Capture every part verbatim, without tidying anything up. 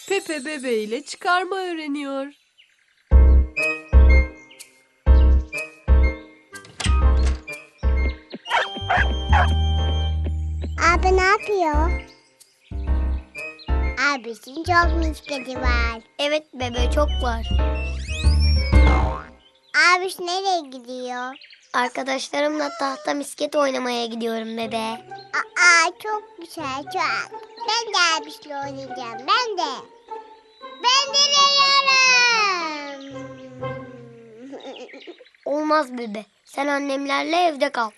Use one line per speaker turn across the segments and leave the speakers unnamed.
Pepe bebeğiyle çıkarma öğreniyor.
Abi ne yapıyor? Abisinin çok misketi var.
Evet bebe, çok var.
Abiş nereye gidiyor?
Arkadaşlarımla tahta misket oynamaya gidiyorum bebe.
Aa çok güzel çok. Ben de abişle oynayacağım. Ben de. Ben de veriyorum.
Olmaz bebe. Sen annemlerle evde kal.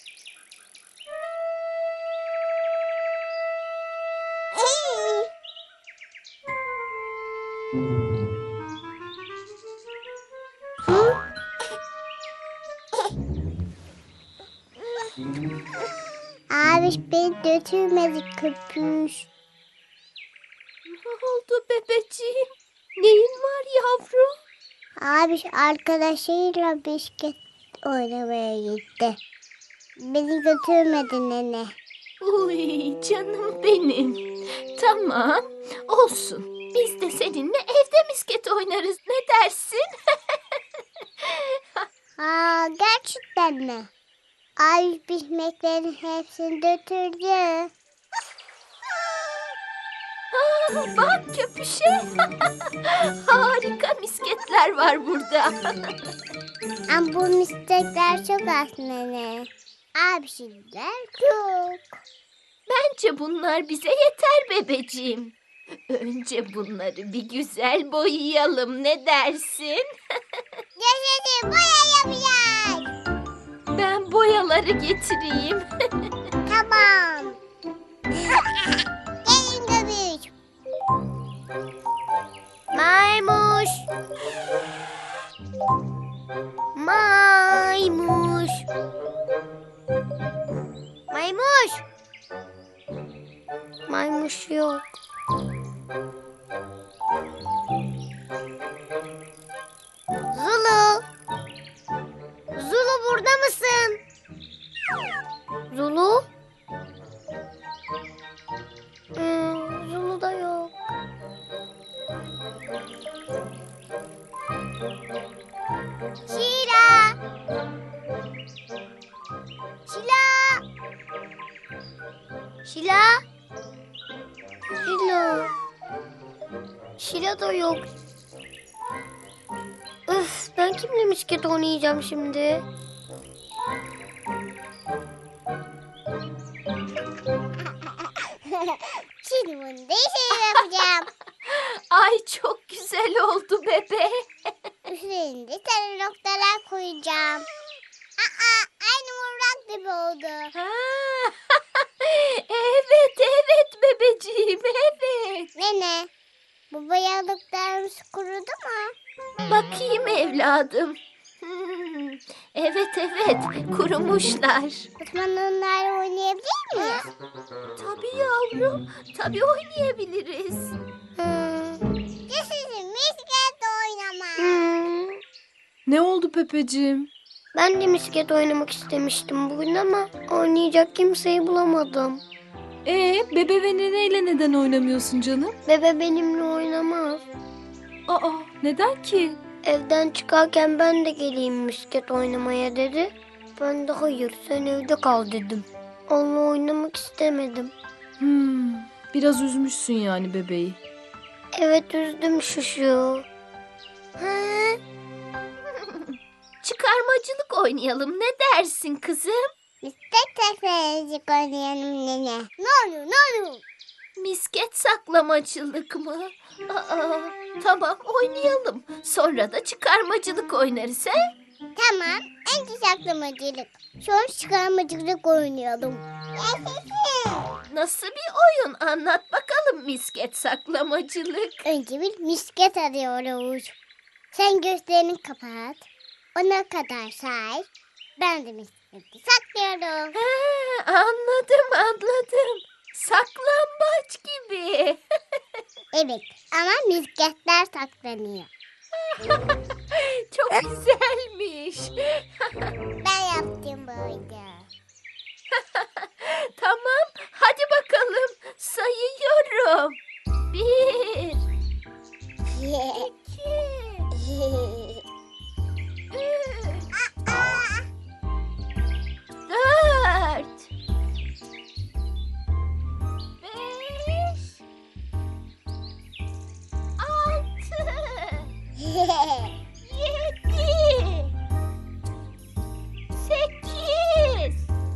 Abiş beni götürmedi köpüş.
Ne oldu bebeciğim? Neyin var yavrum?
Abiş arkadaşıyla bisiklet oynamaya gitti. Beni götürmedi nene.
Uy canım benim. Tamam, olsun. Biz de seninle evde misket oynarız. Ne dersin?
Aa gerçekten mi? Abiş bisikletlerin hepsini götürdü.
Aa, bak köpüşe. Harika misketler var burada.
Ama bu bisikletler çok az nene. Abişler çok.
Bence bunlar bize yeter bebeciğim. Önce bunları bir güzel boyayalım. Ne dersin?
Yaşasın boya yapacağız.
Ben boyaları getireyim.
Tamam. Gelin göbüş.
Maymuş. Maymuş. Maymuş. Maymuş yok. Zulu. Zulu burada mısın? Zulu? Hmm, Zulu da yok.
Şila. Şila.
Şila? Şila. Şila da yok. Öf, ben kimle misket oynayacağım şimdi?
Şimdi bunu değişik yapacağım.
Ay çok güzel oldu bebe.
Üstlerinde sarı noktalar koyacağım. Aa, aynı mırrak gibi oldu.
Ha, evet evet bebeciğim evet.
Nene, bu boyalıklarımız kurudu mu?
Bakayım evladım. Hmm, evet evet kurumuşlar.
O zaman onlarla oynayabilir miyiz?
Tabii yavrum tabii oynayabiliriz.
Hmm.
Yaşasın misket oynama.
Hmm.
Ne oldu Pepeciğim?
Ben de misket oynamak istemiştim bugün ama oynayacak kimseyi bulamadım.
Ee, bebe ve neneyle neden oynamıyorsun canım?
Bebe benimle oynamaz.
Aa, neden ki?
Evden çıkarken ben de geleyim misket oynamaya dedi. Ben de hayır, sen evde kal dedim. Onunla oynamak istemedim.
Hmm, biraz üzmüşsün yani bebeği.
Evet, üzdüm şuşu.
Ha?
Çıkarmacılık oynayalım ne dersin kızım?
Misket teknolojik oynayalım nene. Ne oluyor ne oluyor?
Misket saklamacılık mı? Aa, tamam oynayalım. Sonra da çıkarmacılık oynarız he?
Tamam, önce saklamacılık. Sonra çıkarmacılık oynayalım. Yaşasın.
Nasıl bir oyun anlat bakalım misket saklamacılık.
Önce bir misket arıyoruz. Sen gözlerini kapat. Ona kadar say. Ben de misketi saklıyorum.
Ha, anladım anladım. Saklambaç gibi.
Evet ama misketler saklanıyor.
Çok güzelmiş.
Ben yaptım böyle.
Tamam, hadi bakalım. Sayıyorum. Bir, Dört. Beş. Altı. Yedi. Sekiz.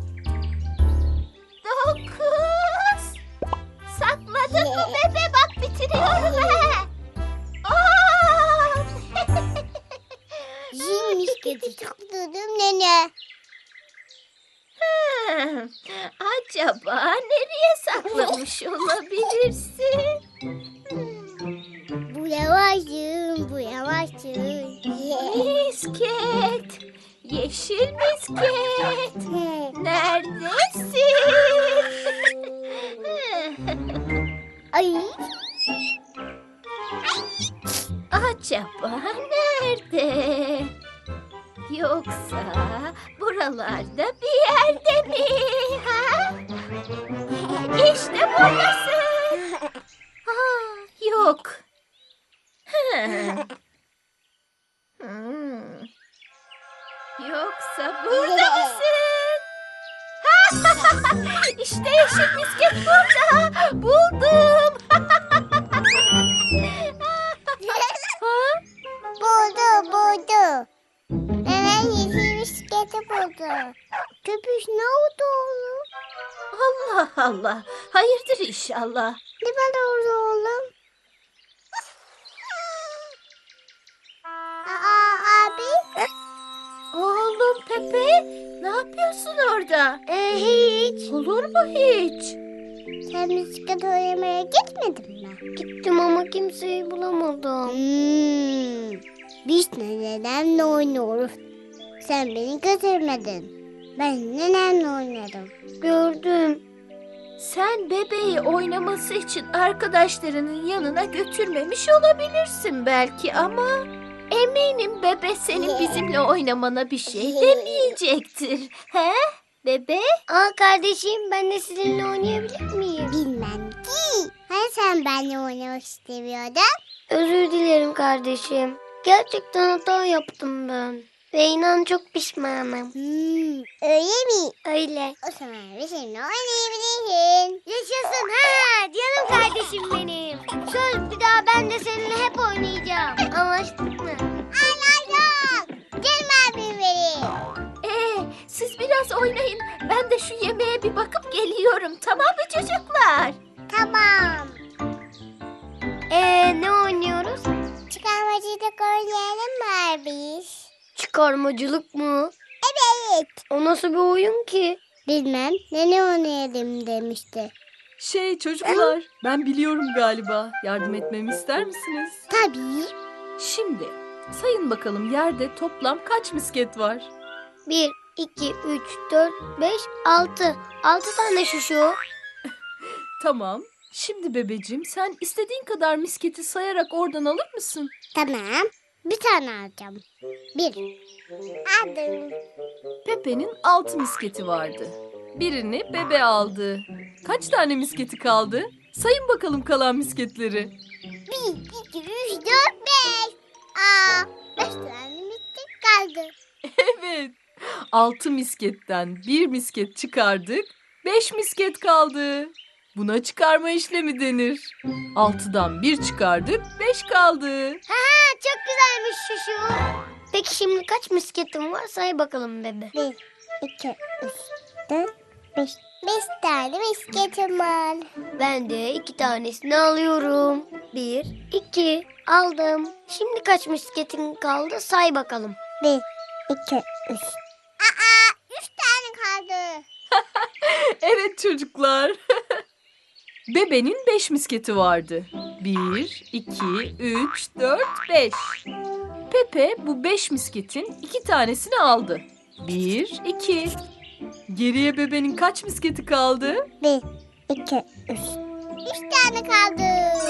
Dokuz. Sakladın mı bebe? Bak bitiriyorum he. On.
Zil misketi sakladım nene.
Hmm, acaba nereye saklamış olabilirsin?
Bu yavaşsın, bu yavaşsın.
Misket, yeşil misket, neredesin?
Ay,
Acaba nerede? Yoksa buralarda bir yerde mi? Ha? İşte buradasın. Ha, yok. Hmm. Hmm. Yoksa burada mısın? İşte yeşil misket burada. Buldum. Ha?
buldu, buldu. Nenen yeşil misketi buldu. Köpüş ne oldu oğlum?
Allah Allah. Hayırdır inşallah.
Ne var orada oğlum? Aa abi.
Oğlum Pepe, ne yapıyorsun orada?
Ee, hiç.
Olur mu hiç?
Sen misket oynamaya gitmedin mi?
Gittim ama kimseyi bulamadım.
Hmm. Biz nenemle oynuyoruz. Sen beni götürmedin. Ben nenemle oynadım.
Gördüm.
Sen bebeği oynaması için arkadaşlarının yanına götürmemiş olabilirsin belki ama eminim bebe senin bizimle oynamana bir şey demeyecektir. He? Bebe?
Aa kardeşim, ben de sizinle oynayabilir miyim?
Bilmem ki. Hani sen benimle oynamak istemiyordun?
Özür dilerim kardeşim. Gerçekten hata yaptım ben. Ve inan çok pişmanım.
Hmm, öyle mi?
Öyle.
O zaman bizimle oynayabilirsin.
Yaşasın ha canım kardeşim benim. Söz, bir daha ben de seninle hep oynayacağım. Anlaştık mı?
Anladım. Canım abim benim.
Ee, siz biraz oynayın. Ben de şu yemeğe bir bakıp geliyorum. Tamam mı çocuklar?
Tamam.
Ee ne oynuyoruz?
Çıkarmacılık oynayalım mı biz?
Çıkarmacılık mı?
Evet.
O nasıl bir oyun ki?
Bilmem. Ne oynayalım demişti.
Şey çocuklar, ben biliyorum galiba. Yardım etmemi ister misiniz?
Tabii.
Şimdi sayın bakalım yerde toplam kaç misket var?
Bir, iki, üç, dört, beş, altı. Altı tane şuşu.
Tamam. Şimdi bebeciğim sen istediğin kadar misketi sayarak oradan alır mısın?
Tamam. Bir tane alacağım. Bir. Aldım.
Pepe'nin altı misketi vardı. Birini bebe aldı. Kaç tane misketi kaldı? Sayın bakalım kalan misketleri.
Bir, iki, üç, dört, beş. Aa, beş tane misket kaldı.
Evet. Altı misketten bir misket çıkardık. Beş misket kaldı. Buna çıkarma işlemi denir. Altıdan bir çıkardık, beş kaldı.
Ha, çok güzelmiş şuşu. Peki şimdi kaç misketim var, say bakalım bebe.
Bir, iki, üç, dört, beş. Beş tane misketim var.
Ben de iki tanesini alıyorum. Bir, iki, aldım. Şimdi kaç misketin kaldı, say bakalım.
Bir, iki, üç. Aa, üç tane kaldı.
Evet çocuklar. Bebenin beş misketi vardı. Bir, iki, üç, dört, beş. Pepe bu beş misketin iki tanesini aldı. Bir, iki. Geriye bebenin kaç misketi kaldı?
Bir, iki, üç. Üç tane kaldı.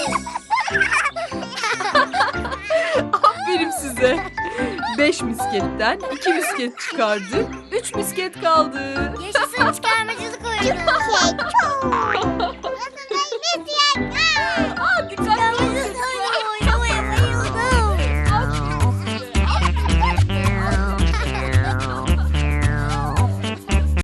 Aferin size. Beş misketten iki misket çıkardık. Üç misket kaldı.
Yaşasın çıkarmacılık oyunu.
Şey, çok.